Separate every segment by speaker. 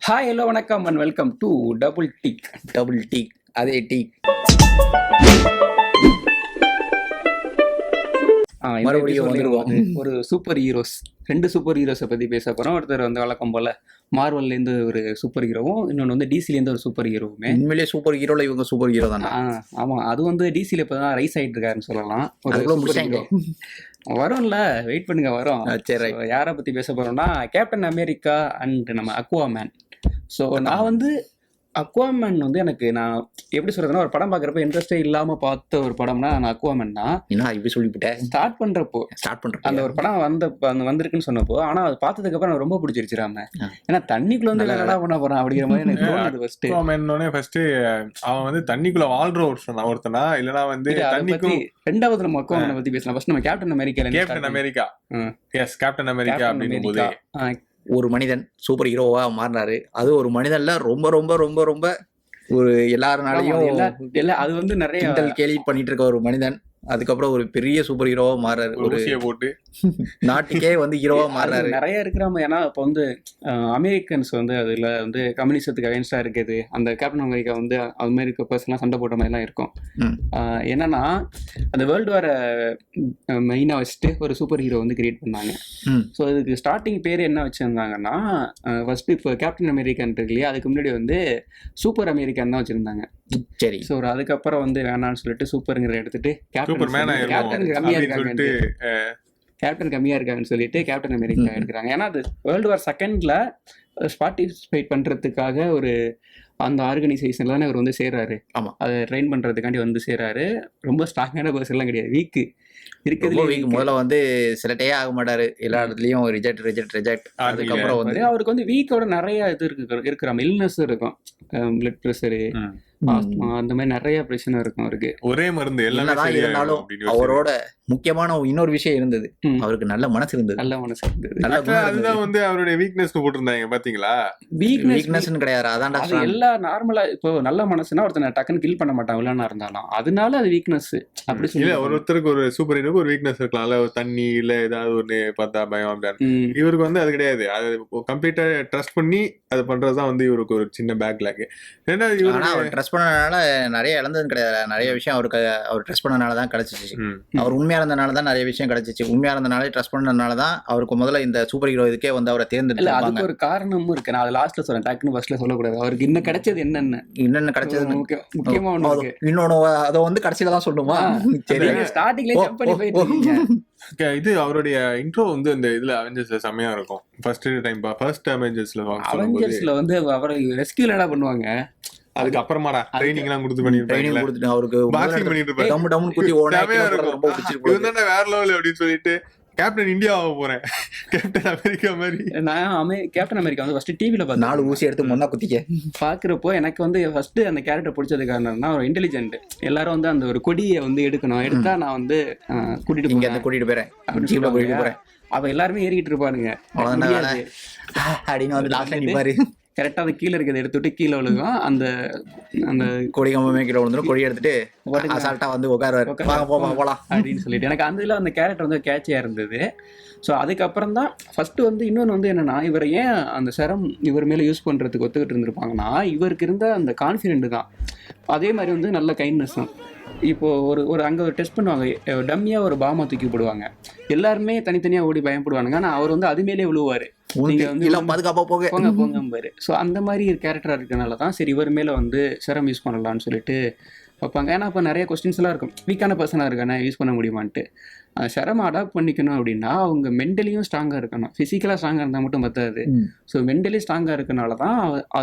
Speaker 1: Hi hello வணக்கம் and welcome to
Speaker 2: double take அதே take மறுபடியும் வந்துருவோம்.
Speaker 1: ஒரு சூப்பர் ஹீரோஸ், 2 சூப்பர் ஹீரோஸை பற்றி பேச போகிறோம். ஒருத்தர் வந்து வழக்கம் போல் மார்வல்லேருந்து ஒரு சூப்பர் ஹீரோவும், இன்னொன்று வந்து டிசிலேருந்து ஒரு சூப்பர் ஹீரோவுமே.
Speaker 2: உண்மையிலேயே சூப்பர் ஹீரோல இவங்க சூப்பர் ஹீரோ தானே.
Speaker 1: ஆமாம், அது வந்து டிசியில் இப்போ தான் ரைஸ் ஆகிட்டு இருக்காருன்னு சொல்லலாம். வரும்ல, வெயிட் பண்ணுங்க, வரும்.
Speaker 2: சரி,
Speaker 1: யாரை பற்றி பேச போகிறோம்னா கேப்டன் அமெரிக்கா அண்ட் நம்ம அக்வாமேன். ஸோ நான் வந்து அக்வாமேன் வந்து எனக்கு நான் எப்படி சொல்றதுன்னா, ஒரு படம் பார்க்குறப்ப இன்ட்ரெஸ்டே இல்லாமல் பார்த்த ஒரு படம்னா நான் அக்வாமேன் தான்.
Speaker 2: என்ன இப்படி சொல்லிவிட்டேன்.
Speaker 1: ஸ்டார்ட் பண்ணுறப்போ அந்த ஒரு படம் வந்திருக்குன்னு சொன்னப்போ, ஆனால் அது பார்த்ததுக்கப்புறம் எனக்கு ரொம்ப பிடிச்சிருச்சுராம. ஏன்னா தண்ணிக்குள்ள வந்து என்னடா பண்ண போறான் அப்படிங்கிற மாதிரி எனக்கு தோணுது.
Speaker 3: ஃபர்ஸ்ட் அவன் வந்து தண்ணிக்குள்ள வாழ்ற ஒருத்தனா இல்லனா வந்து தண்ணிக்கும்.
Speaker 1: ரெண்டாவது நம்ம அக்வாமேனை பத்தி பேசலாம். ஃபர்ஸ்ட் நம்ம கேப்டன் அமெரிக்கா
Speaker 3: அப்படிங்கும்போது
Speaker 2: ஒரு மனிதன் சூப்பர் ஹீரோவா மாறினாரு. அது ஒரு மனிதன்ல ரொம்ப ரொம்ப ரொம்ப ரொம்ப ஒரு எல்லாருனாலையும்
Speaker 1: அது வந்து நிறைய
Speaker 2: கேள்வி பண்ணிட்டு இருக்க ஒரு மனிதன் அதுக்கப்புறம் ஒரு பெரிய சூப்பர் ஹீரோவா மாறாரு. ஒரு
Speaker 3: போட்டு
Speaker 2: நாட்டுக்கே வந்து ஹீரோவா மாறாரு.
Speaker 1: நிறைய இருக்கிறாம. ஏன்னா இப்போ வந்து அமெரிக்கன்ஸ் வந்து அதுல வந்து கம்யூனிசத்துக்கு அகைன்ஸ்டா இருக்குது. அந்த கேப்டன் அமெரிக்கா வந்து அமெரிக்க பர்சன்லாம் சண்டை போட்ட மாதிரிலாம் இருக்கும். என்னன்னா அந்த வேர்ல்டு வார மெயினா வச்சுட்டு ஒரு சூப்பர் ஹீரோ வந்து கிரியேட் பண்ணாங்க. ஸோ இதுக்கு ஸ்டார்டிங் பேர் என்ன வச்சிருந்தாங்கன்னா, ஃபர்ஸ்ட் இப்போ கேப்டன் அமெரிக்கன் இருக்கு இல்லையா, அதுக்கு முன்னாடி வந்து சூப்பர் அமெரிக்கன் தான் வச்சிருந்தாங்க.
Speaker 2: சரி,
Speaker 1: ஸோ அதுக்கப்புறம் வந்து வேணான்னு சொல்லிட்டு சூப்பருங்கிற எடுத்துட்டு கேப்டன் கம்மியா இருக்காங்கன்னு சொல்லிட்டு கேப்டன் அமெரிக்கா எடுக்கிறாங்க. ஏன்னா அது வேர்ல்டு வார் செகண்ட்ல பார்ட்டிசிபேட் பண்றதுக்காக ஒரு அந்த ஆர்கனைசேஷன்ல இவர் வந்து சேர்றாரு.
Speaker 2: ஆமா,
Speaker 1: அதை ட்ரெயின் பண்றதுக்காண்டி வந்து சேர்றாரு. ரொம்ப ஸ்ட்ராங்கான பர்சன் எல்லாம் கிடையாது, வீக்கு இருக்கிறது.
Speaker 2: முதல்ல வந்து செலக்டே ஆக மாட்டாரு, எல்லா இடத்துலயும் ரிஜெக்ட். அதுக்கப்புறம் வந்து
Speaker 1: அவருக்கு வந்து வீக்கோட நிறைய இது இருக்கிற இல்னஸ் இருக்கும், பிளட் ப்ரெஷரு, ஆஸ்துமா, அந்த மாதிரி நிறைய பிரச்சனை இருக்கும் அவருக்கு.
Speaker 3: ஒரே மருந்து
Speaker 2: இருந்தாலும் அவரோட முக்கியமான இன்னொரு விஷயம் இருந்தது, அவருக்கு நல்ல மனசு இருந்தது.
Speaker 3: அதுதான் வந்து அவருடைய வீக்னஸ் போட்டிருந்தாங்க பாத்தீங்களா.
Speaker 2: வீக்னஸ் கிடையாது, அதான்
Speaker 1: எல்லா நார்மலா இப்போ நல்ல மனசுனா ஒருத்தனை டக்குன்னு கில் பண்ண மாட்டான் வில்லனா இருந்தாலும், அதனால அது வீக்னஸ் அப்படி சொல்லி.
Speaker 3: ஒருத்தருக்கு ஒரு சூப்பர் ஹீரோக்கு ஒரு வீக்னஸ் இருக்கலாம்ல, தண்ணி இல்ல ஏதாவது ஒண்ணு பார்த்தா பயம் அப்படின்னு. இவருக்கு வந்து அது கிடையாது. அது கம்ப்ளீட்டா ட்ரஸ்ட் பண்ணி அது பண்றதுதான் வந்து இவருக்கு ஒரு சின்ன பேக்லாக். ஏன்னா
Speaker 2: இவரு ட்ரஸ்ட் பண்ணனால நிறைய இழந்தது கிடையாது. நிறைய விஷயம் அவருக்கு அவர் ட்ரஸ்ட் பண்ணனாலதான் கிடைச்சிச்சு. அவர் உண்மையா இருந்தனாலதான் நிறைய விஷயம் கிடைச்சிச்சு. உண்மையா இருந்தனாலே ட்ரஸ்ட் பண்ணனாலதான் அவருக்கு முதல்ல இந்த சூப்பர் ஹீரோ இதுக்கே வந்து அவரை தேர்ந்தெடுத்து.
Speaker 1: அதுக்கு ஒரு காரணமும் இருக்கு, நான் அது லாஸ்ட்ல சொல்றேன், டக்குன்னு ஃபர்ஸ்ட்ல சொல்லக்கூடாது. அவருக்கு இன்னும் கிடைச்சது என்னென்ன
Speaker 2: கிடைச்சது
Speaker 1: முக்கியமா
Speaker 2: இன்னொன்னு அதை வந்து கடைசியில தான் சொல்லுமா. சரி,
Speaker 1: ஸ்டார்டிங்ல ஜம்ப் பண்ணி போயிட்டு
Speaker 3: இது அவருடைய இன்ட்ரோ வந்து இந்த இதுல அவெஞ்சர்ஸ்ல செமையா இருக்கும். ஃபர்ஸ்ட் அவெஞ்சர்ஸ்ல
Speaker 1: வந்து அவரை ரெஸ்கியூ என்ன பண்ணுவாங்க,
Speaker 3: அதுக்கு அப்புறமாடா ட்ரைனிங் எல்லாம் கொடுத்துட்டு அவருக்கு
Speaker 2: பாக்ஸிங் பண்ணிட்டு இருப்பாரு. டம் டம் குத்தி ஓட ரொம்ப பிடிச்சிருக்கு.
Speaker 3: இவன் வேற லெவல் அப்படின்னு சொல்லிட்டு கேப்டன் இந்தியா ஆக போறேன், கேப்டன் அமெரிக்கா மாதிரி.
Speaker 1: நான் கேப்டன் அமெரிக்கா வந்து ஃபர்ஸ்ட் டிவில பார்த்து
Speaker 2: 4 ஊசி எடுத்து முன்னா குத்திக்க
Speaker 1: பாக்குறப்போ எனக்கு வந்து ஃபர்ஸ்ட் அந்த கேரக்டர் பிடிச்சது காரணம்னா ஒரு இன்டெலிஜென்ட். எல்லாரும் வந்து அந்த ஒரு கொடியை வந்து எடுத்தா நான் வந்து
Speaker 2: கூட்டிட்டு போறேன்.
Speaker 1: அவ எல்லாருமே ஏறிக்கிட்டு இருப்பானுங்க
Speaker 2: அப்படின்னு வந்து லாஸ்ட்ல நிப்பாரு.
Speaker 1: கரெக்டாக அந்த கீழே இருக்கிறத எடுத்துட்டு கீழே விழுகும். அந்த அந்த
Speaker 2: கொடி கம்பமே கீழே விழுந்துடும். கொடி எடுத்துட்டு அசால்ட்டா வந்து உட்காருவாரு, போலாம்
Speaker 1: அப்படின்னு சொல்லிட்டு. எனக்கு அந்த இதில் அந்த கேரக்டர் வந்து கேட்சியாக இருந்தது. ஸோ அதுக்கப்புறம் தான் ஃபஸ்ட்டு வந்து இன்னொன்று வந்து என்னென்னா, இவர் ஏன் அந்த செரம் இவர் மேலே யூஸ் பண்ணுறதுக்கு ஒத்துக்கிட்டு இருந்திருப்பாங்கன்னா, இவருக்கு இருந்த அந்த கான்ஃபிடென்ட் தான். அதே மாதிரி வந்து நல்ல கைண்ட்னஸ் தான். இப்போது ஒரு அங்கே ஒரு டெஸ்ட் பண்ணுவாங்க, டம்மியாக ஒரு பாமா தூக்கி போடுவாங்க, எல்லாருமே தனித்தனியாக ஓடி பயப்படுவானுங்க. ஆனால் அவர் வந்து அது மேலே விழுவார், நீங்கள் வந்து
Speaker 2: பாதுகாப்பாக
Speaker 1: போங்க. ஸோ அந்த மாதிரி கேரக்டராக இருக்கனால தான் சரி இவர் மேலே வந்து செரம் யூஸ் பண்ணலான்னு சொல்லிட்டு வைப்பாங்க. ஏன்னா இப்போ நிறைய கொஸ்டின்ஸ்லாம் இருக்கும், வீக்கான பர்சனாக இருக்கானே யூஸ் பண்ண முடியுமான்ட்டு. செரம் அடாப்ட் பண்ணிக்கணும் அப்படின்னா அவங்க மென்டலியும் ஸ்ட்ராங்காக இருக்கணும், ஃபிசிக்கலாக ஸ்ட்ராங்காக இருந்தால் மட்டும் பத்தாது. ஸோ மென்டலி ஸ்ட்ராங்காக இருக்கனால தான்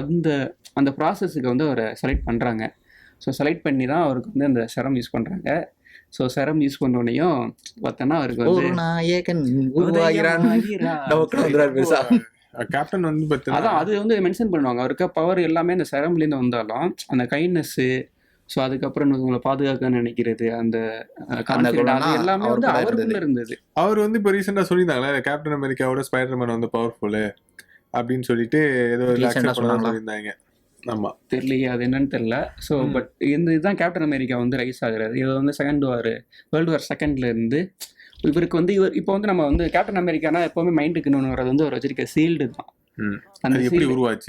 Speaker 1: அந்த ப்ராசஸுக்கு வந்து அவரை செலக்ட் பண்ணுறாங்க. ஸோ செலக்ட் பண்ணி தான் அவருக்கு வந்து அந்த செரம் யூஸ் பண்ணுறாங்க. ஸோ செரம் யூஸ் பண்ணோடனையும் பார்த்தோன்னா அவருக்கு வந்து
Speaker 3: கேப்டன் வந்து
Speaker 1: அதான் அது வந்து மென்ஷன் பண்ணுவாங்க. அவருக்கு பவர் எல்லாமே அந்த செரம்லேருந்து வந்தாலும் அந்த கைண்ட்னஸ்ஸு, ஸோ அதுக்கப்புறம் உங்களை பாதுகாக்க நினைக்கிறது, அந்த எல்லாமே வந்து அவருக்குள்ள இருந்தது.
Speaker 3: அவர் வந்து இப்போ ரீசெண்டாக சொல்லியிருந்தாங்களே கேப்டன் அமெரிக்காவோட ஸ்பைடர்மேன் வந்து பவர்ஃபுல்லு அப்படின்னு சொல்லிட்டு ஏதோ சொல்லியிருந்தாங்க. ஆமா,
Speaker 1: தெரியலையே அது என்னன்னு தெரியல. ஸோ பட் இதுதான் கேப்டன் அமெரிக்கா வந்து ரைஸ் ஆகுறது. இது வந்து வேர்ல்டு வார் செகண்ட்ல இருந்து இவருக்கு வந்து இப்போ வந்து நம்ம வந்து கேப்டன் அமெரிக்கானா எப்பவுமே மைண்டுக்கு இன்னொன்று வர்றது வந்து அவர் வச்சிருக்க சீல்டு தான்.
Speaker 3: அந்த எப்படி உருவாச்சு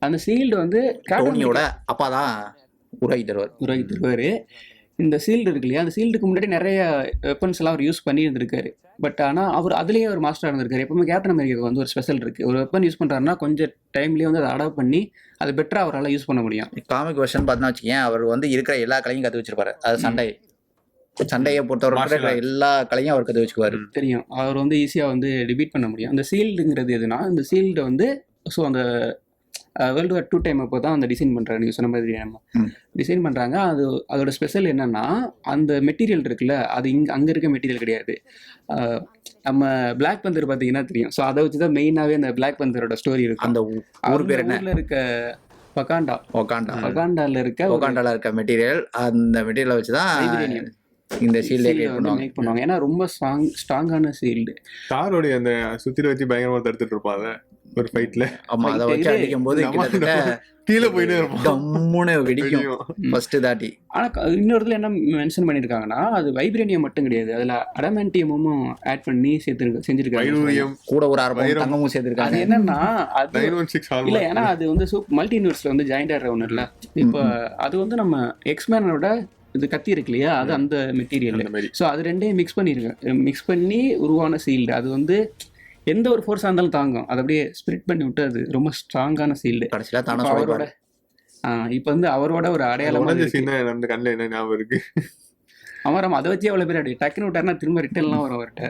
Speaker 1: அந்த ஷீல்டு வந்து
Speaker 2: டோனியோட அப்பா தான் உருவாக்கி தருவார்.
Speaker 1: உருவாக்கி தருவார். இந்த ஷீல்டு இருக்கு இல்லையா, அந்த ஷீல்டுக்கு முன்னாடி நிறைய வெப்பன்ஸ் எல்லாம் அவர் யூஸ் பண்ணி இருந்திருக்காரு. பட் ஆனால் அவர் அதுலேயே ஒரு மாஸ்டராக இருந்திருக்காரு. எப்பவுமே கேப்டன் அமெரிக்காவுக்கு வந்து ஒரு ஸ்பெஷல் இருக்குது. ஒரு வெப்பன் யூஸ் பண்ணுறாருன்னா கொஞ்சம் டைம்லேயே வந்து அதை அடாப்ட் பண்ணி அது பெட்டராக அவரால் யூஸ் பண்ண முடியும்.
Speaker 2: காமிக் வெர்ஷன் பார்த்தா வச்சுக்கேன், அவர் வந்து இருக்கிற எல்லா கலையும் கற்று வச்சிருப்பாரு. அது சண்டையை பொறுத்தவரை எல்லா கலையும் அவர் கற்று வச்சுக்குவாரு.
Speaker 1: தெரியும், அவர் வந்து ஈஸியாக வந்து டிபீட் பண்ண முடியும். அந்த ஷீல்டுங்கிறது எதுனா, இந்த ஷீல்டை வந்து ஸோ அந்த வேர்ல்டு வார் 2 டைம் அப்போ தான் அந்த டிசைன் பண்ணுறாங்க. நீங்கள் சொன்ன மாதிரி நம்ம டிசைன் பண்ணுறாங்க. அதோட ஸ்பெஷல் என்னென்னா, அந்த மெட்டீரியல் இருக்குல்ல, அது அங்கே இருக்க மெட்டீரியல் கிடையாது. நம்ம பிளாக் பந்தர் பார்த்தீங்கன்னா தெரியும். ஸோ அதை வச்சு தான் மெயினாகவே அந்த பிளாக் பந்தரோட ஸ்டோரி இருக்கும்.
Speaker 2: அந்த ஊர் பேர் என்ன?
Speaker 1: ஊரில் இருக்க ஒகாண்டால
Speaker 2: இருக்க மெட்டீரியல், அந்த மெட்டீரியலை வச்சு தான் இந்த ஷீல்டை
Speaker 1: மேக் பண்ணுவாங்க. ஏன்னா ரொம்ப ஸ்ட்ராங்கான ஷீல்டு.
Speaker 3: தாரோட அந்த சுத்தில வச்சு பயங்கரமா தடுத்துட்டு இருப்பாங்க ஒரு ஃபைட்ல.
Speaker 2: ஆமா, அதை வச்சு அடிக்கும் போது
Speaker 3: கீழே போயிட்டே இருப்போம்,
Speaker 2: டம்முன்னு வெடிக்கும் ஃபர்ஸ்ட் தாட்டி.
Speaker 1: ஆனா இன்னொருத்துல என்ன மென்ஷன் பண்ணிருக்காங்கன்னா, அது வைப்ரேனியம் மட்டும் கிடையாது, அதுல அடமான்டியமும் ஆட் பண்ணி செஞ்சிருக்காங்க.
Speaker 2: கூட ஒரு 6 தங்கமும் சேர்த்திருக்காங்க.
Speaker 1: அது என்னன்னா, அது இல்ல, ஏன்னா அது வந்து மல்டி யூனிவர்ஸ்ல வந்து ஜாயிண்ட் ஆகிற ஒண்ணு இல்ல. இப்போ அது வந்து நம்ம எக்ஸ்மேனோட இது கத்தி இருக்கு இல்லையா, அது அந்த மெட்டீரியல். ஸோ அது ரெண்டையும் மிக்ஸ் பண்ணி உருவான ஷீல்டு. அது வந்து எந்த ஒரு ஃபோர்ஸாக இருந்தாலும் தாங்கும். அது அப்படியே ஸ்பிரிட் பண்ணி விட்டு அது ரொம்ப ஸ்ட்ராங்கான ஷீல்டு. அவரோட இப்போ வந்து அவரோட ஒரு அடையாளம்
Speaker 3: இருக்கு.
Speaker 1: அவன் அதை வச்சு எவ்வளோ பேர் அப்படி டக்குன்னு விட்டாருன்னா திரும்ப ரிட்டர்ன்லாம் வரும் அவர்கிட்ட.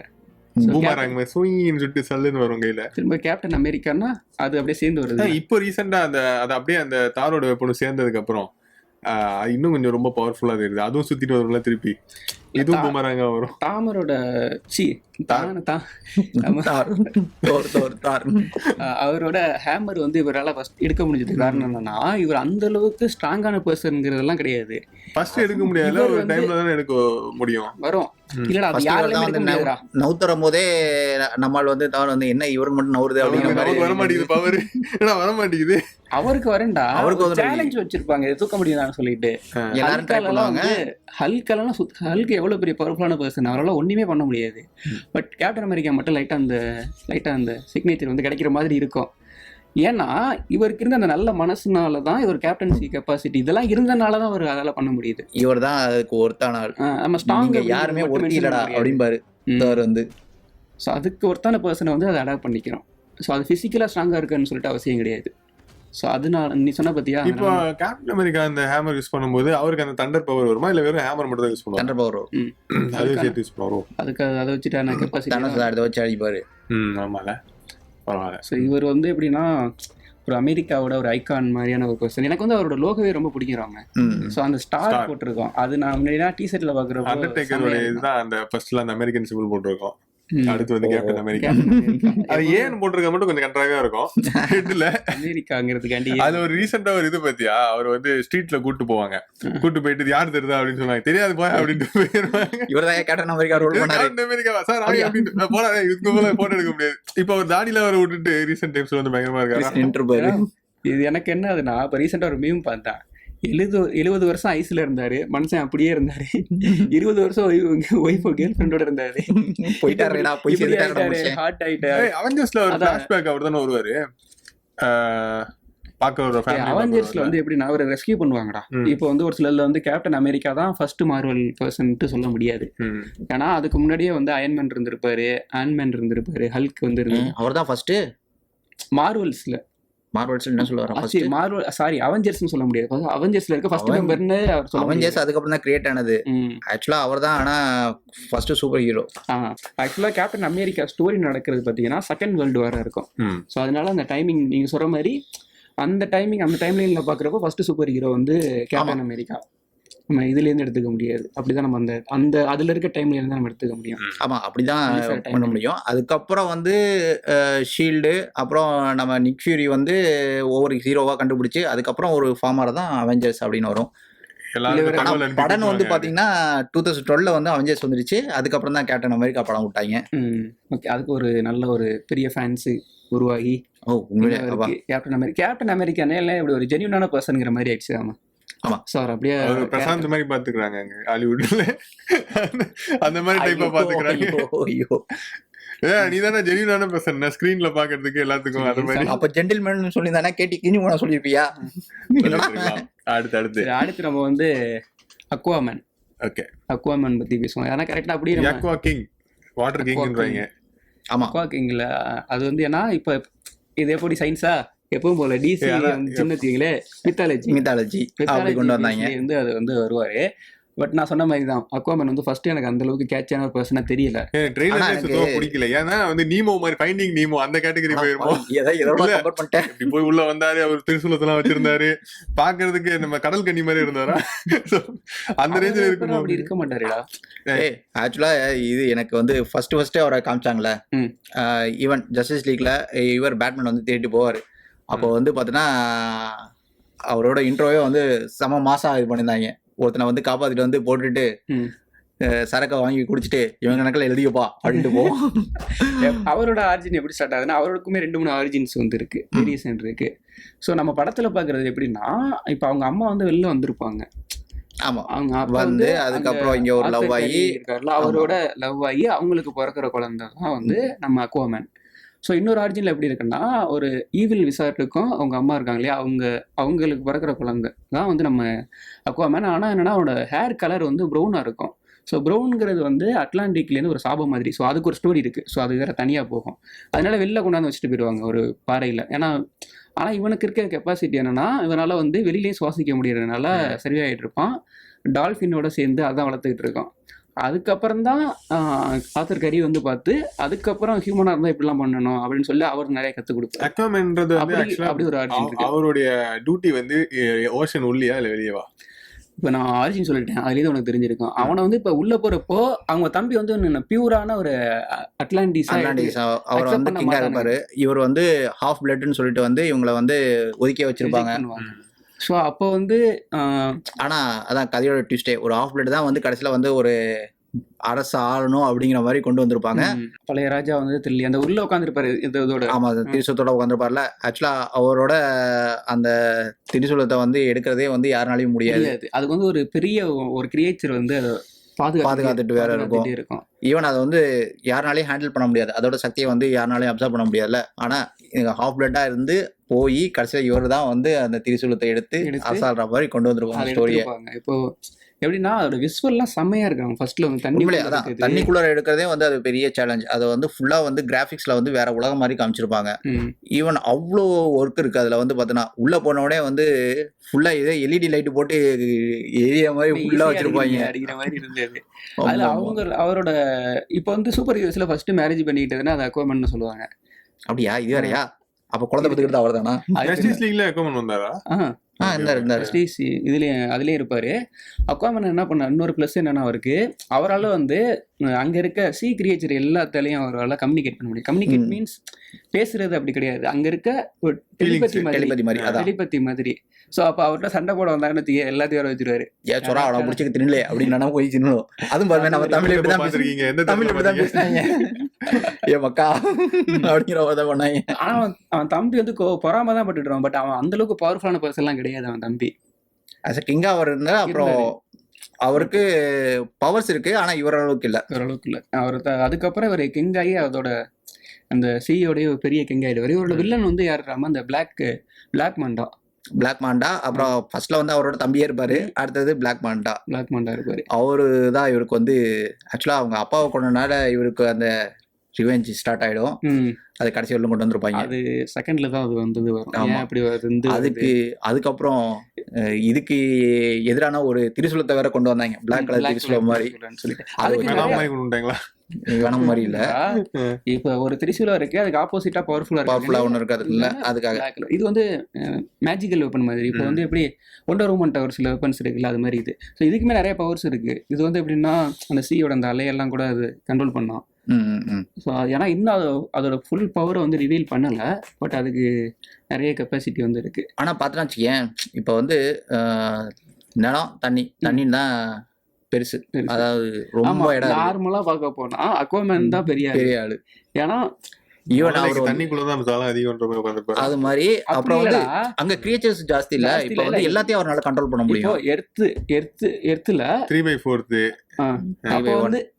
Speaker 1: திரும்ப கேப்டன் அமெரிக்கான்னா அது அப்படியே சேர்ந்து வருது.
Speaker 3: இப்போ ரீசெண்டா அது அப்படியே அந்த தாரோட பொண்ணு சேர்ந்ததுக்கு அப்புறம் இன்னும் கொஞ்சம் ரொம்ப பவர்ஃபுல்லா தெரியுது. அதுவும் சுத்திட்டு வரும்ல திருப்பி, இதுவும் பூமராங்க வரும்.
Speaker 1: தாமரோட அவரோட ஹேமர் வந்து இவரால் ஃபர்ஸ்ட் எடுக்க முடிஞ்சது காரணம் என்னன்னா, இவர் அந்த அளவுக்கு ஸ்ட்ராங்கான பர்சன்ங்கிறதெல்லாம் கிடையாது.
Speaker 3: ஃபர்ஸ்ட் எடுக்க முடியாது, ஒரு டைம்ல தானே எடுக்க முடியும்.
Speaker 1: வரும் இல்லடா, அது யாருமே எடுக்க முடியாதுடா.
Speaker 2: நவுத்தரும் போதே நம்மால் வந்து தார் வந்து என்ன இவருக்கு மட்டும் நவுறுது அப்படிங்கிற மாதிரி
Speaker 3: வர மாட்டேங்குது. பவர் வர மாட்டேங்குது.
Speaker 1: அவருக்கு வரேன்டா, அவருக்கு சேலஞ்ச் வச்சிருப்பாங்க தூக்க முடியுதான்னு சொல்லிட்டு.
Speaker 2: எல்லாரும் ட்ரை பண்ணுவாங்க.
Speaker 1: ஹல்க் எவ்வளவு பெரிய பவர்ஃபுல்லான பர்சன், அவரால் ஒண்ணுமே பண்ண முடியாது. பட் கேப்டன் அமெரிக்கா மட்டும் லைட்டா அந்த சிக்னேச்சர் வந்து கிடைக்கிற மாதிரி இருக்கும். ஏன்னா இவருக்கு இருந்த அந்த நல்ல மனசுனால தான் இவர் கேப்டன்சி கெப்பாசிட்டி இதெல்லாம் இருந்தனால தான் அவர் அதெல்லாம் பண்ண முடியுது.
Speaker 2: இவர் தான் அதுக்கு ஒருத்தான ஆள்.
Speaker 1: நம்ம ஸ்ட்ராங்
Speaker 2: யாருமே ஒருத்தி இல்லடா அப்படிம்பாரு தார் வந்து.
Speaker 1: ஸோ அதுக்கு ஒருத்தான பர்சனை வந்து அதை அடாப்ட் பண்ணிக்கிறோம். ஸோ அது ஃபிசிக்கலாக ஸ்ட்ராங்காக இருக்குன்னு சொல்லிட்டு அவசியம் கிடையாது. ஸோ அதனால நீ சொன்ன பத்தியா,
Speaker 3: இப்போ கேப்டன் அமெரிக்கா அந்த ஹேமர் யூஸ் பண்ணும்போது அவருக்கு அந்த தண்டர் பவர் வருமா, இல்ல வெறும் ஹேமர் மட்டும் தான் யூஸ் பண்ணுவாங்க?
Speaker 2: தண்டர் பவர் வரும்.
Speaker 3: அது சேர்த்து யூஸ் பண்ணுவோம்.
Speaker 1: அதுக்கு அதை வச்சுட்டு கெப்பாசிட்டி
Speaker 2: அதை வச்சு அடிப்பாரு.
Speaker 3: ஆமால பரவாயில்ல.
Speaker 1: ஸோ இவர் வந்து எப்படின்னா ஒரு அமெரிக்காவோட ஒரு ஐகான் மாதிரியான ஒரு பர்சன். எனக்கு வந்து அவரோட லோகோவே ரொம்ப பிடிக்கிறாங்க. ஸோ அந்த ஸ்டார் போட்டிருக்கோம், அது நான் முன்னாடி டிஷர்ட்ல பாக்குறப்போ
Speaker 3: அண்டர்டேக்கரோட இதுதான் அந்த ஃபர்ஸ்ட்ல அந்த அமெரிக்கன் சிம்பிள் போட்டிருக்கோம். அடுத்து வந்து கேப்டன் அமெரிக்கா. அது ஏன் போட்டிருக்க மட்டும் கொஞ்சம் கண்ட்ராகா இருக்கும் ஹெட்ல
Speaker 1: அமெரிக்காங்கிறதுக்காண்டி.
Speaker 3: அது ஒரு ரீசெண்டா ஒரு இது பத்தியா, அவர் வந்து ஸ்ட்ரீட்ல கூட்டு போவாங்க, கூட்டு போயிட்டு யார் தெரியுதா அப்படின்னு சொன்னாங்க. தெரியாது போய் அப்படின்னு போயிருவாங்க.
Speaker 2: இவர்தான் கேப்டன் அமெரிக்கா ரோல் பண்ணாரு.
Speaker 3: கேப்டன் அமெரிக்கா சார் அப்படின்னு போடா, இதுக்கு போல போட்டோ எடுக்க முடியாது. இப்ப அவர் தாடியில வர விட்டுட்டு ரீசெண்ட் டைம்ஸ்ல வந்து பயங்கரமா இருக்காரு.
Speaker 1: இது எனக்கு என்ன ஆகுதுன்னா, இப்ப ரீசெண்டா ஒரு மீம் பார்த்தேன். 70 வருஷம் ஐஸ்ல இருந்தாரு மனுஷன், அப்படியே இருந்தாரு. 20 வருஷம் ஒய்ஃப் கேர்ள் ஃப்ரெண்டோட இருந்தாரு. ஹார்ட் ஆயிட்டாரு.
Speaker 3: அவெஞ்சர்ஸ்ல ஒரு ஃபிளாஷ்பேக் அவர் தானே வருவாரு.
Speaker 1: அவெஞ்சர்ஸ்ல வந்து எப்படின்னா அவரை ரெஸ்கியூ பண்ணுவாங்கடா. இப்போ வந்து ஒரு சிலர்ல வந்து கேப்டன் அமெரிக்கா தான் ஃபர்ஸ்ட் மார்வல் பர்சன்ட்டு சொல்ல முடியாது. ஏன்னா அதுக்கு முன்னாடியே வந்து அயன்மேன் இருந்திருப்பாரு, ஆன்மேன் இருந்திருப்பாரு, ஹல்க் வந்து இருந்தாரு.
Speaker 2: அவர் தான் ஃபர்ஸ்ட்
Speaker 1: மார்வல்ஸ்ல.
Speaker 2: மார்வல்ஸ் என்ன சொல்லுவாரு?
Speaker 1: மார்வல் சாரி அவெஞ்சர்ஸ்னு சொல்ல முடியாது. அவெஞ்சர்ஸ்ல இருக்க ஃபர்ஸ்ட் மெம்பர்னு அவர் சொல்ல.
Speaker 2: அவெஞ்சர்ஸ் அதுக்கு தான் கிரியேட் ஆனது. ஆக்சுவலா அவர்தான் ஆனா ஃபர்ஸ்ட் சூப்பர் ஹீரோ.
Speaker 1: ஆக்சுவலா கேப்டன் அமெரிக்கா ஸ்டோரி நடக்கிறது பாத்தீங்கன்னா செகண்ட் வேர்ல்டு வாரா இருக்கும். ஸோ அதனால அந்த டைமிங் நீங்க சொல்ற மாதிரி அந்த டைம்லைன்ல பாக்குறப்போ ஃபர்ஸ்ட் சூப்பர் ஹீரோ வந்து கேப்டன் அமெரிக்கா. நம்ம இதுல இருந்து எடுத்துக்க முடியாது. அப்படிதான் நம்ம அந்த அதுல இருக்க டைம்ல இருந்து நம்ம எடுத்துக்க முடியும்.
Speaker 2: ஆமா, அப்படிதான் பண்ண முடியும். அதுக்கப்புறம் வந்து ஷீல்டு, அப்புறம் நம்ம நிக் ஃபியூரி வந்து ஒவ்வொரு ஹீரோவா கண்டுபிடிச்சு அதுக்கப்புறம் ஒரு ஃபார்மர் தான் அவெஞ்சர்ஸ் அப்படின்னு வரும். படம் வந்து பாத்தீங்கன்னா 2012 வந்து அவெஞ்சர்ஸ் வந்துருச்சு. அதுக்கப்புறம் தான் கேப்டன் அமெரிக்கா படம் விட்டாங்க.
Speaker 1: ஓகே, அதுக்கு ஒரு நல்ல ஒரு பெரிய ஃபேன்ஸ் உருவாகி கேப்டன் அமெரிக்கானே இப்படி ஒரு ஜென்யூனான பர்சன்ங்கிற மாதிரி ஆயிடுச்சு. ஆமா
Speaker 2: ஆமா
Speaker 1: சார், அப்படியே
Speaker 3: பிரசாந்த் மாதிரி பாத்துக்கிறாங்க ஹாலிவுட்ல. அந்த மாதிரி டைப்பா பாத்துக்கிறாங்க. நீ தானே ஜெனியூனான பர்சன் ஸ்கிரீன்ல பாக்குறதுக்கு எல்லாத்துக்கும் அது மாதிரி.
Speaker 2: அப்ப ஜென்டில்மேன் சொல்லி தானே கேட்டி கிஞ்சி போன சொல்லிருப்பியா?
Speaker 3: அடுத்து
Speaker 1: நம்ம வந்து அக்வாமேன்.
Speaker 3: ஓகே,
Speaker 1: அக்வாமேன் பத்தி பேசுவோம். ஏன்னா கரெக்டா அப்படியே
Speaker 3: அக்வா கிங், வாட்டர் கிங்ன்றாங்க.
Speaker 2: ஆமா,
Speaker 1: அக்வா கிங்ல அது வந்து ஏன்னா இப்ப இது எப்படி சயின்ஸா எப்பவும் போல டிசி சின்ன தீங்களே மித்தாலஜி
Speaker 2: அப்படி கொண்டு வந்தாங்க.
Speaker 1: வந்து அது வந்து வருவாரு. பட் நான் சொன்ன மாதிரி தான் அக்வாமேன் வந்து ஃபர்ஸ்ட் எனக்கு அந்த அளவுக்கு கேட்சான ஒரு பர்சனா தெரியல.
Speaker 3: பிடிக்கல. ஏன்னா வந்து நீமோ மாதிரி ஃபைண்டிங் நீமோ அந்த கேட்டகரி போயிருமோ. இப்படி போய் உள்ள வந்தாரு, அவர் திரிசூலத்தெல்லாம் வச்சிருந்தாரு, பாக்குறதுக்கு நம்ம கடல் கன்னி மாதிரி இருந்தாரா? அந்த ரேஞ்சில் இருக்கு.
Speaker 1: அப்படி இருக்க மாட்டாருடா.
Speaker 2: ஆக்சுவலா இது எனக்கு வந்து ஃபர்ஸ்ட் அவரை காமிச்சாங்களே, ஈவன் ஜஸ்டிஸ் லீக்ல இவர் பேட்மேன் வந்து தேடிட்டு போவாரு. அப்போ வந்து பாத்தீங்கன்னா அவரோட இன்ட்ரோவே வந்து செம மாசா இது பண்ணியிருந்தாங்க. ஒருத்தனை வந்து காப்பாத்திட்டு வந்து போட்டுட்டு சரக்கை வாங்கி குடிச்சிட்டு இவங்க கணக்கில் எழுதியப்பா அப்படின்ட்டு போவோம்.
Speaker 1: அவரோட ஆரிஜின் எப்படி ஸ்டார்ட் ஆகுதுன்னா, அவருக்குமே 2-3 ஆரிஜின்ஸ் வந்து இருக்கு, வேரியேஷன் இருக்கு. ஸோ நம்ம படத்துல பாக்குறது எப்படின்னா, இப்போ அவங்க அம்மா வந்து வெளில வந்திருப்பாங்க.
Speaker 2: ஆமா,
Speaker 1: அவங்க
Speaker 2: வந்து அதுக்கப்புறம் இங்க ஒரு லவ் ஆகி
Speaker 1: இருக்காருல, அவரோட லவ் ஆகி அவங்களுக்கு பிறக்கிற குழந்தை தான் வந்து நம்ம அக்வாமேன். ஸோ இன்னொரு ஆரிஜினில் எப்படி இருக்குன்னா, ஒரு ஈவில் விசார்ட்டுக்கும் அவங்க அம்மா இருக்காங்க இல்லையா, அவங்களுக்கு பிறக்கிற குழந்தை தான் வந்து நம்ம அக்வாமேன். ஆனால் என்னன்னா அவனோட ஹேர் கலர் வந்து ப்ரௌனாக இருக்கும். ஸோ ப்ரௌனுங்கிறது வந்து அட்லாண்டிக்லேருந்து ஒரு சாபம் மாதிரி. ஸோ அதுக்கு ஒரு ஸ்டோரி இருக்குது. ஸோ அது வேறு தனியாக போகும். அதனால வெளில கொண்டாந்து வச்சுட்டு போயிடுவாங்க ஒரு பாறையில். ஆனால் இவனுக்கு இருக்க கெப்பாசிட்டி என்னன்னா, இவனால் வந்து வெளியிலேயும் சுவாசிக்க முடியறதுனால சரியாயிட்டு இருப்பான். டால்ஃபினோட சேர்ந்து அதான் வளர்த்துக்கிட்டு இருக்கான். அதுக்கப்புறம் தான் ஆத்தர் கரி வந்து பார்த்து அதுக்கப்புறம் ஹியூமனா இருந்தா இப்படிலாம் பண்ணணும் அப்படின்னு சொல்லி அவர் நிறைய கற்றுக் கொடுப்பாரு.
Speaker 3: அக்வாமேன்றது
Speaker 1: அப்படி ஒரு ஆரிஜின் இருக்கு.
Speaker 3: அவருடைய டியூட்டி வந்து ஓஷன் உள்ளியா இல்லை வெளியவா?
Speaker 1: இப்போ நான் ஆரிஜின் சொல்லிட்டேன், அதுலேருந்து உனக்கு தெரிஞ்சிருக்கும். அவனை வந்து இப்போ உள்ள போறப்போ அவங்க தம்பி வந்து பியூரான ஒரு அட்லாண்டிஸ்
Speaker 2: அவர் வந்து கிங்கா இருப்பாரு. இவர் வந்து ஹாஃப் பிளட்னு சொல்லிட்டு வந்து இவங்களை வந்து ஒதுக்கி வச்சிருப்பாங்க.
Speaker 1: ஸோ அப்போ வந்து
Speaker 2: ஆனால் அதான் கதையோட ட்விஸ்டே, ஒரு ஹாஃப் பிளட் தான் வந்து கடைசியில் வந்து ஒரு அரசு ஆளணும் அப்படிங்கிற மாதிரி கொண்டு வந்திருப்பாங்க.
Speaker 1: பழைய ராஜா வந்து தெரியல அந்த உள்ள உட்காந்துருப்பாரு இதோட.
Speaker 2: ஆமா, திரிசூலத்தோட உட்காந்துருப்பார்ல. ஆக்சுவலா அவரோட அந்த திரிசூலத்தை வந்து எடுக்கிறதே வந்து யாருனாலையும் முடியாது.
Speaker 1: அதுக்கு வந்து ஒரு பெரிய ஒரு கிரியேச்சர் வந்து
Speaker 2: பாதுகாத்துட்டு வேற இருக்கும். ஈவன் அதை வந்து யாருனாலையும் ஹேண்டில் பண்ண முடியாது. அதோட சக்தியை வந்து யாருனாலையும் அப்சர்வ் பண்ண முடியாதுல்ல. ஆனா ஹாஃப் பிளட்டா இருந்து போய் கடைசியில் இவர் தான் வந்து அந்த திரிசூலத்தை எடுத்து அசால்ற மாதிரி கொண்டு வந்துருவாங்க ஸ்டோரியை.
Speaker 1: இப்போ எப்படின்னா அதோட விசுவல்லாம் செம்மையா இருக்காங்க. ஃபர்ஸ்ட்ல வந்து
Speaker 2: தண்ணிக்குள்ள எடுக்கிறதே வந்து அது பெரிய சேலஞ்ச். அதை வந்து ஃபுல்லா வந்து கிராஃபிக்ஸ்ல வந்து வேற உலகம் மாதிரி காமிச்சிருப்பாங்க. ஈவன் அவ்வளோ ஒர்க் இருக்கு அதுல வந்து பார்த்தோன்னா. உள்ள போனோடனே வந்து ஃபுல்லா இதே எல்இடி லைட் போட்டு ஏரியா மாதிரி ஃபுல்லா வச்சிருப்பாங்க.
Speaker 1: அடிக்கிற மாதிரி இருந்தது. அதுல அவரோட இப்போ வந்து சூப்பர் ஹீரோஸ்ல ஃபர்ஸ்ட் மேரேஜ் பண்ணிக்கிட்டதுன்னா அது அக்வாமேன் சொல்லுவாங்க.
Speaker 2: அப்படியா? இது வேறையா? அப்ப குழந்தை பத்துக்கிட்டு அவர் தானா?
Speaker 3: ஜஸ்டிஸ் லீக்ல அக்வாமேன் வந்தாரா?
Speaker 1: அதுலயே இருப்பாரு. அக்வாமேன் என்ன பண்ண இன்னொரு பிளஸ் என்னன்னா, அவரால் வந்து அங்க இருக்க சி கிரியேச்சர் எல்லாத்தாலையும் அவரால் கம்யூனிகேட் பண்ண முடியும். கம்யூனிகேட் மீன்ஸ் பேசுறது அப்படி கிடையாது, அங்க இருக்க ஒரு டெலிபதி மாதிரி. சோ அப்ப அவர்கிட்ட சண்டை போட வந்தாங்கன்னு எல்லாத்தையும் வர வச்சிருவாரு.
Speaker 2: அவனை முடிச்சுக்க தின்னலே அப்படின்னு போய் தின்னணும். அதுவும் பாருங்க, நம்ம தமிழ் எப்படிதான் பேசுறீங்க, எந்த தமிழ் எப்படிதான் பேசுறாங்க ஏ மக்கா அப்படிங்கிறத பண்ணாங்க.
Speaker 1: ஆனா அவன் தம்பி வந்து பொறாம தான் பட்டுடுவான். பட் அவன் அந்த அளவுக்கு பவர்ஃபுல்லான பர்சன் எல்லாம் கிடையாது அவன் தம்பி.
Speaker 2: அஸ் அ கிங்கா அவர் இருந்தா அப்புறம் அவருக்கு பவர்ஸ் இருக்கு, ஆனா இவர் அளவுக்கு இல்ல.
Speaker 1: அவர் அதுக்கப்புறம் இவர் கிங் ஆகி அதோட அந்த சியோடைய பெரிய கிங் ஆயிடுவாரு. இவரோட வில்லன் வந்து யாருறாம அந்த பிளாக் மாண்டா. அப்புறம் ஃபர்ஸ்ட்ல வந்து அவரோட தம்பியே இருப்பாரு. அடுத்தது பிளாக் மாண்டா இருப்பாரு. அவரு தான் இவருக்கு வந்து ஆக்சுவலா அவங்க அப்பாவை கொண்டனால இவருக்கு அந்த ரிவெஞ்ச் ஸ்டார்ட் ஆயிடும். அது கடைசி வரலும் கொண்டு வந்திருப்பாங்க. அது செகண்ட்ல தான் அது வந்தது வரும். அப்படி
Speaker 2: அதுக்கு அதுக்கப்புறம் இதுக்கு எதிரான ஒரு திரிசூலத்தை வேற கொண்டு வந்தாங்க, பிளாக் கலர் திரிசூலம் மாதிரி சொல்லிட்டு. வேணும் மாதிரி இல்ல,
Speaker 1: இப்ப ஒரு திரிசூலம் இருக்கு, அதுக்கு ஆப்போசிட்டா பவர்ஃபுல்லா
Speaker 2: ஒண்ணு இருக்கு. அதுல அதுக்காக
Speaker 1: இது வந்து மேஜிக்கல் வெப்பன் மாதிரி. இப்போ வந்து எப்படி ஒண்டர் உமன் ஒரு சில வெப்பன்ஸ் இருக்குல்ல, அது மாதிரி இது. ஸோ இதுக்குமே நிறைய பவர்ஸ் இருக்கு. இது வந்து எப்படின்னா அந்த சீயோட அந்த அலையெல்லாம் கூட அது கண்ட்ரோல் பண்ணோம். ஸோ ஏன்னா இன்னும் அதோட ஃபுல் பவரை வந்து ரிவீல் பண்ணல. பட் அதுக்கு நிறைய கெப்பாசிட்டி வந்து இருக்கு.
Speaker 2: ஆனா பார்த்தோன்னா வச்சுக்கேன், இப்போ வந்து நிலம் தண்ணின்னு தான் பெருசு. அதாவது ரொம்ப இடம்
Speaker 1: நார்மலா பார்க்க போனா அக்வாமேன் தான் பெரிய ஆளு. ஏன்னா
Speaker 3: ஈவன் அவர் தண்ணிக்குள்ளதான் அதிகம்
Speaker 2: அது மாதிரி. அப்புறம் வந்து அங்க கிரியேச்சர்ஸ் ஜாஸ்தி இல்ல. இப்போ வந்து எல்லாத்தையும் அவரால் கண்ட்ரோல் பண்ண முடியும்.
Speaker 1: எர்த்துல 3/4 அப்போ வந்து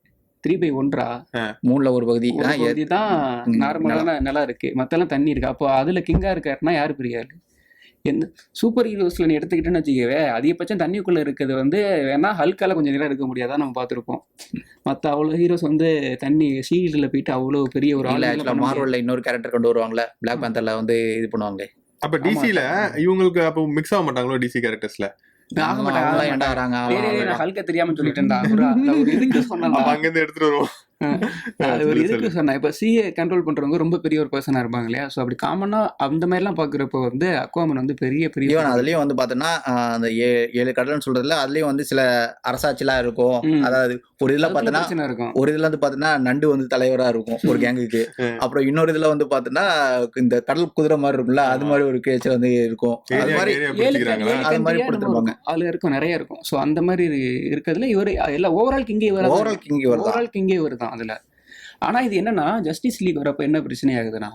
Speaker 1: 3/1
Speaker 2: 3ல ஒரு பகுதி
Speaker 1: தான் நார்மலான நிலம் இருக்கு, மத்தெல்லாம் தண்ணி இருக்கு. அப்போ அதுல கிங்கா இருக்காருன்னா யாரு பெரிய ஆளு? எந்த சூப்பர் ஹீரோஸ்ல நீ எடுத்துக்கிட்டேன்னு வச்சுக்கவே, அதிகபட்சம் தண்ணிக்குள்ள இருக்கிறது வந்து வேணா ஹல்கால கொஞ்சம் நேரம் எடுக்க முடியாதான் நம்ம பார்த்துருப்போம். மற்ற அவ்வளோ ஹீரோஸ் வந்து தண்ணி ஷீல்டில் போயிட்டு அவ்வளோ பெரிய ஒரு
Speaker 2: ஆள். மார்வல்ல இன்னொரு கேரக்டர் கொண்டு வருவாங்களே, பிளாக் பேந்தர்ல வந்து இது பண்ணுவாங்க.
Speaker 3: அப்ப டிசில இவங்களுக்கு அப்போ மிக்ஸ் ஆக மாட்டாங்களோ டிசி கேரக்டர்ஸ்ல?
Speaker 1: ஆக மாட்டாங்க. ஹல்க தெரியாம சொல்லிட்டேன்டா, ஒரு இதுக்கு சொன்னா
Speaker 3: அங்கிருந்து எடுத்துட்டு வருவோம்.
Speaker 1: அது ஒரு இதுக்கு சொன்னேன். இப்போ சிஏ கண்ட்ரோல் பண்றவங்க ரொம்ப பெரிய ஒரு பர்சனா இருப்பாங்க இல்லையா? ஸோ அப்படி காமனா அந்த மாதிரிலாம் பாக்குறப்ப வந்து அக்வாமன் வந்து பெரிய
Speaker 2: அதுலயும் வந்து பாத்தோம்னா அந்த 7 கடல்னு சொல்றதுல அதுலயும் வந்து சில அரசாட்சிலாம் இருக்கும். அதாவது ஒரு இதுல பாத்தோம்னா
Speaker 1: இருக்கும்,
Speaker 2: ஒரு இதுல வந்து பாத்தோம்னா நண்டு வந்து தலைவரா இருக்கும் ஒரு கேங்குக்கு. அப்புறம் இன்னொரு இதுல வந்து பாத்தோம்னா இந்த கடல் குதிரை மாதிரி இருக்கும்ல, அது மாதிரி ஒரு கிரியேச்சர் வந்து இருக்கும். அது மாதிரி
Speaker 1: கொடுத்துருப்பாங்க. அதுல இருக்கும், நிறைய இருக்கும். ஸோ அந்த மாதிரி இருக்கிறதுல இவர் எல்லாம் ஓவரால் கிங்கே இவர் தான் அதுல. ஆனா இது என்னன்னா ஜஸ்டிஸ் லீக் வரப்ப என்ன பிரச்சனை ஆகுதுன்னா,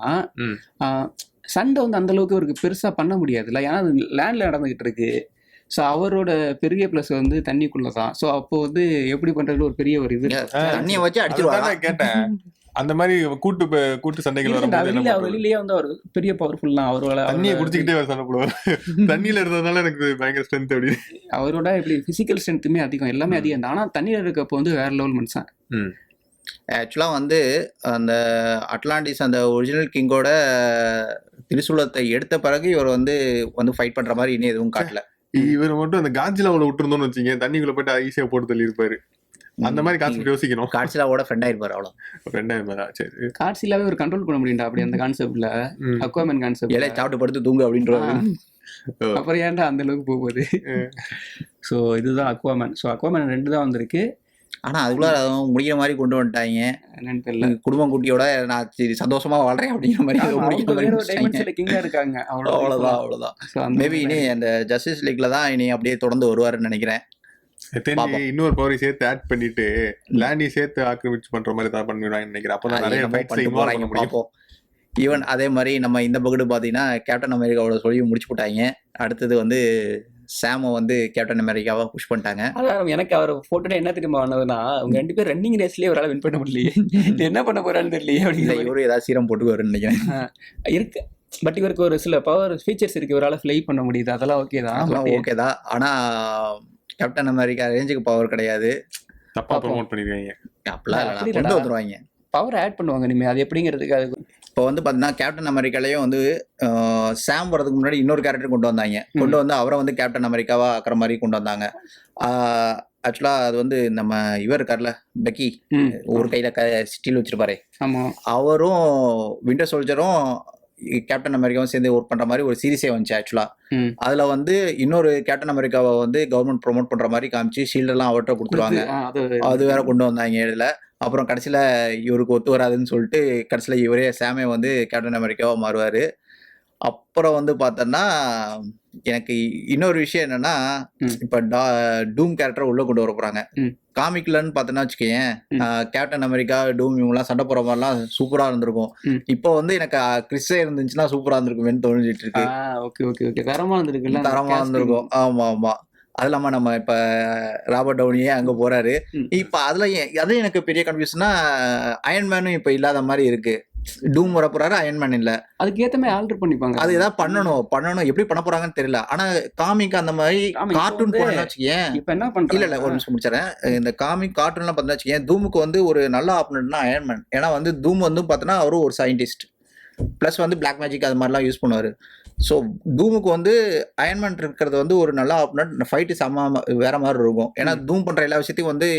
Speaker 1: சண்டை வந்து அந்த அளவுக்கு ஒரு பெருசா பண்ண முடியாதுல்ல, ஏன்னா லேண்ட்ல நடந்துகிட்டு இருக்கு. ஸோ அவரோட பெரிய பிளஸ் வந்து தண்ணிக்குள்ளதான். ஸோ அப்போ வந்து எப்படி பண்றது ஒரு பெரிய ஒரு இது
Speaker 2: தண்ணியை வச்சு அடிச்சிருவாங்க.
Speaker 3: கேட்டேன் அந்த மாதிரி கூட்டு சண்டைகள்
Speaker 1: வெளியிலேயே வந்து அவர் பெரிய பவர்ஃபுல் தான். அவரோட
Speaker 3: தண்ணியை குடிச்சுக்கிட்டே அவர் சண்டை போடுவார். தண்ணியில இருந்ததுனால எனக்கு பயங்கர ஸ்ட்ரென்த். அப்படி
Speaker 1: அவரோட இப்படி பிசிக்கல் ஸ்ட்ரென்த்துமே அதிகம், எல்லாமே அதிகம் தான். ஆனா தண்ணியில இருக்கப்போ வந்து வேற லெவல் மனுஷன்.
Speaker 2: ஆக்சுவலாக வந்து அந்த அட்லாண்டிஸ் அந்த ஒரிஜினல் கிங்கோட திரிசூலத்தை எடுத்த பிறகு இவர் வந்து ஃபைட் பண்ற மாதிரி இனி எதுவும் காட்டல.
Speaker 3: இவர் மட்டும் அந்த காட்சிலாவோட விட்டுருந்தோம்னு வச்சுங்க, தண்ணிக்குள்ள போயிட்டு ஈஸியா போட்டு தள்ளி இருப்பாரு. அந்த மாதிரி கான்செப்ட் யோசிக்கணும்.
Speaker 2: காட்சிலாவோட ஃப்ரெண்ட் ஆயிருப்பாரு, அவ்வளோ
Speaker 3: ஃப்ரெண்ட் ஆயிருப்பாரா? சரி,
Speaker 1: காட்சிலாவே ஒரு கண்ட்ரோல் பண்ண முடியும்டா அப்படி அந்த கான்செப்ட்ல. அக்வாமன் கான்செப்ட்
Speaker 2: எல்லாம் சாப்பிட்டு படுத்து தூங்கு அப்படின்றாரு.
Speaker 1: அப்புறம் ஏன்டா அந்த அளவுக்கு போகுது? ஸோ இதுதான் அக்வாமன். ஸோ அக்வாமன் 2 தான் வந்திருக்கு.
Speaker 2: ஆனா அதுக்குள்ள முடிகிற மாதிரி கொண்டு வந்துட்டாங்க.
Speaker 1: என்னன்னு தெரியல,
Speaker 2: குடும்பம் குட்டியோட நான் சந்தோஷமா வாழ்றேன் அப்படிங்கிற மாதிரி
Speaker 1: கிங்கா இருக்காங்க.
Speaker 2: அவ்வளவுதான். மேபி இனி அந்த ஜஸ்டிஸ் லீக்ல தான் இனி அப்படியே தொடர்ந்து வருவாருன்னு நினைக்கிறேன்.
Speaker 3: இன்னொரு பவரை சேர்த்து ஆட் பண்ணிட்டு லேண்டி சேர்த்து ஆக்கிரமிச்சு பண்ற மாதிரி தான் பண்ணிடுவாங்கன்னு நினைக்கிறேன். அப்பதான் நிறைய
Speaker 2: பார்ப்போம். ஈவன் அதே மாதிரி நம்ம இந்த பக்கெட்டு பாத்தீங்கன்னா கேப்டன் அமெரிக்காவோட சொல்லி முடிச்சு போட்டாங்க. அடுத்தது வந்து சாம வந்து கேப்டன் அமெரிக்காவா புஷ் பண்ணிட்டாங்க.
Speaker 1: அதான் எனக்கு அவர் போட்டோ என்ன தெரியுமா ஆனதுன்னா, அவங்க 2 பேரும் ரன்னிங் ரேஸ்லயே ஒரு வின் பண்ண முடியலையே, என்ன பண்ண போறான்னு தெரியலையே அப்படிங்கிற.
Speaker 2: இவரு ஏதாவது சீரம் போட்டுக்குவாருன்னு நினைக்கிறேன்.
Speaker 1: இருக்கு, பட் இவருக்கு ஒரு சில பவர் ஃபீச்சர்ஸ் இருக்கு, இவரால் ஃப்ளை பண்ண முடியுது, அதெல்லாம் ஓகே
Speaker 2: தான். ஆனா கேப்டன் அமெரிக்கா ரேஞ்சுக்கு பவர் கிடையாது.
Speaker 3: தப்பா ப்ரோமோட் பண்ணிருக்காங்க.
Speaker 2: அப்படிலாம் கொண்டு வந்துருவாங்க,
Speaker 1: பவர் ஆட் பண்ணுவாங்க இனிமே. அது எப்படிங்கிறதுக்கு அது
Speaker 2: இப்போ வந்து பார்த்தீங்கன்னா கேப்டன் அமெரிக்காலேயும் வந்து சாம் வரதுக்கு முன்னாடி இன்னொரு கேரக்டர் கொண்டு வந்தாங்க. கொண்டு வந்து அவரை வந்து கேப்டன் அமெரிக்காவா ஆக்கிற மாதிரி கொண்டு வந்தாங்க. ஆக்சுவலாக அது வந்து நம்ம இவர் இருக்கார்ல பெக்கி, ஒரு கையில் ஸ்டீல் வச்சிருப்பாரு, அவரும் விண்டர் சோல்ஜரும் கேப்டன் அமெரிக்காவும் சேர்ந்து ஒர்க் பண்ற மாதிரி ஒரு சீரிஸே வந்துச்சு. ஆக்சுவலா அதுல வந்து இன்னொரு கேப்டன் அமெரிக்காவை வந்து கவர்மெண்ட் ப்ரொமோட் பண்ற மாதிரி காமிச்சு ஷீல்ட் எல்லாம் அவர்கிட்ட கொடுத்துருவாங்க. அது வேற கொண்டு வந்தாங்க இதுல. அப்புறம் கடைசியில இவருக்கு ஒத்து வராதுன்னு சொல்லிட்டு கடைசியில இவரே சாமே வந்து கேப்டன் அமெரிக்காவா மாறுவாரு. அப்புறம் வந்து பார்த்தோன்னா எனக்கு இன்னொரு விஷயம் என்னன்னா, இப்ப டூம் கேரக்டர் உள்ள கொண்டு வர போறாங்க. காமிக்லன்னு பார்த்தோன்னா வச்சுக்கேன், கேப்டன் அமெரிக்கா டூம் இவங்கலாம் சண்டை போற மாதிரிலாம் சூப்பரா இருந்திருக்கும். இப்போ வந்து எனக்கு கிறிஸ்டே இருந்துச்சுன்னா சூப்பரா இருந்திருக்குமேன்னு தோணிட்டு இருக்கு.
Speaker 1: தரமா
Speaker 2: இருந்திருக்கும். ஆமா ஆமா. அது இல்லாம நம்ம இப்ப ராபர்ட் டவுனியே அங்க போறாரு. இப்ப அதுல அது எனக்கு பெரிய கன்ஃபியூஷனா, அயன்மேனும் இப்ப இல்லாத மாதிரி இருக்கு. டூம் வர போறாரு, அயன்மேன் இல்ல.
Speaker 1: அதுக்கு ஏத்த மாதிரி ஆல்டர் பண்ணிப்பாங்க.
Speaker 2: அது ஏதாவது பண்ணணும் எப்படி பண்ண போறாங்கன்னு தெரியல. ஆனா காமிக் அந்த மாதிரி கார்ட்டூன் போனா வச்சுக்கேன்.
Speaker 1: இப்ப என்ன பண்றாங்க,
Speaker 2: இல்ல ஒரு நிமிஷம் முடிச்சறேன். இந்த காமிக் கார்ட்டூன் எல்லாம் பார்த்தா வச்சுக்கேன், தூமுக்கு வந்து ஒரு நல்ல ஆப்பனன்ட்னா அயன்மேன். ஏன்னா வந்து தூம் வந்து பார்த்தோன்னா அவரும் ஒரு சயின்டிஸ்ட், பிளஸ் வந்து பிளாக் மேஜிக் அது மாதிரிலாம் யூஸ் பண்ணுவாரு. ஸோ டூமுக்கு வந்து அயன்மேன் இருக்கிறது வந்து ஒரு நல்ல ஆப்பனன்ட். ஃபைட்டு செம்ம வேற மாதிரி இருக்கும். ஏன்னா டூம் பண்ற எல்லா விஷயத்தையும் வந்து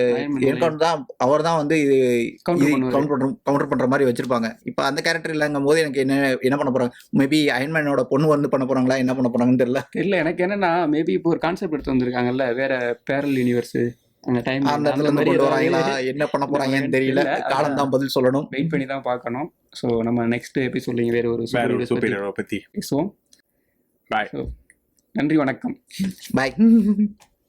Speaker 2: அவர் தான் வந்து இது கவுண்டர் பண்ற மாதிரி வச்சிருப்பாங்க. இப்போ அந்த கேரக்டர் இல்லைங்கும் போது எனக்கு என்ன பண்ண போறாங்க, மேபி அயன்மேனோட பொண்ணு வந்து பண்ண போறாங்களா, என்ன பண்ண போறாங்கன்னு தெரியல.
Speaker 1: இல்ல எனக்கு என்னன்னா, மேபி இப்போ ஒரு கான்செப்ட் எடுத்து வந்திருக்காங்கல்ல, வேற பேரல் யூனிவர்ஸ்,
Speaker 2: அந்த இடத்துல இருந்து கொண்டு வராங்களா, என்ன பண்ண போறாங்கன்னு தெரியல. காலம் தான் பதில் சொல்லணும்,
Speaker 1: வெயிட் பண்ணி தான் பார்க்கணும். ஸோ நம்ம நெக்ஸ்ட் எபிசோட்ல வேற ஒரு சூப்பர் ஹீரோ பத்தி பேசுவோம். பாய், நன்றி, வணக்கம்,
Speaker 2: பாய்.